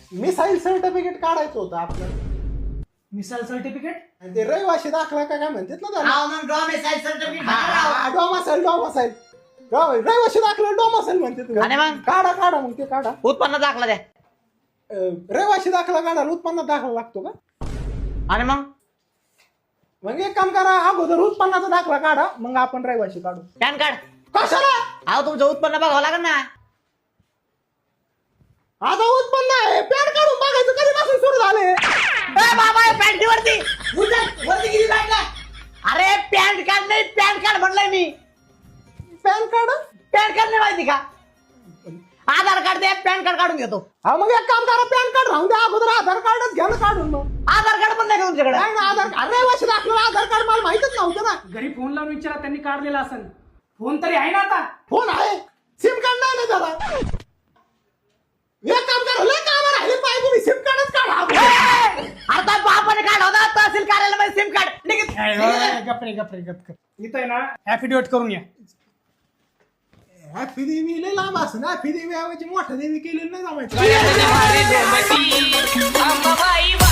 Missile certificate काढायचं होतं आपल्याला. मिसाईल सर्टिफिकेट आणि ते रहिवाशी दाखला का काय म्हणतात ना त्याला. हा मग डॉमिसाईल सर्टिफिकेट डॉमासाईल रहिवाशी दाखला डॉमासाईल म्हणते. आणि मग काढा काढा मग ते काढा. उत्पन्न दाखला द्या. रहिवाशी दाखला काढायला उत्पन्न दाखला लागतो का? आणि मग एक काम करा, अगोदर उत्पन्नाचा दाखला काढा, मग आपण रहिवाशी काढू. PAN card. कशाला? अहो तुमचं उत्पन्न बघावं लागेल ना. आता उत्पन्न आहे, पॅन काढून बघायचं कधीपासून सुरू झाले. बाबा पॅन्टी वरती. वरती गेली बाईकला. अरे पॅन कार्ड नाही, पॅन कार्ड म्हणलंय मी. पॅन कार्ड पॅन कार्ड नाही माहिती का? आधार कार्ड दे, पॅन कार्ड काढून घेतो. हा मग एक काम करा, पॅन कार्ड राहून द्या, अगोदर आधार कार्डच घ्या ना काढून. मग आधार कार्ड पण नाही का तुमच्याकडे? नाही ना, आधार कार्ड रहिवाशी दाखला आधार कार्ड मला माहितच नव्हतं ना. घरी फोन लावून विचारा, त्यांनी काढलेला असेल. फोन तरी आहे ना आता? फोन आहे, सिम कार्ड नाही ना जरा. एक काम करा, लय काम राहिले पाहिजे, सिम कार्डच काढा. आता बापाने काढ होता तहसील कार्यालयामध्ये सिम कार्ड निघत. गपरे इथं आहे ना ऍफिडेविट करून या. हॅपी देवी लय लांब असं ना, हॅपी देवी ऐवजी मोठ्या देवी केलेली नाही जमायचं.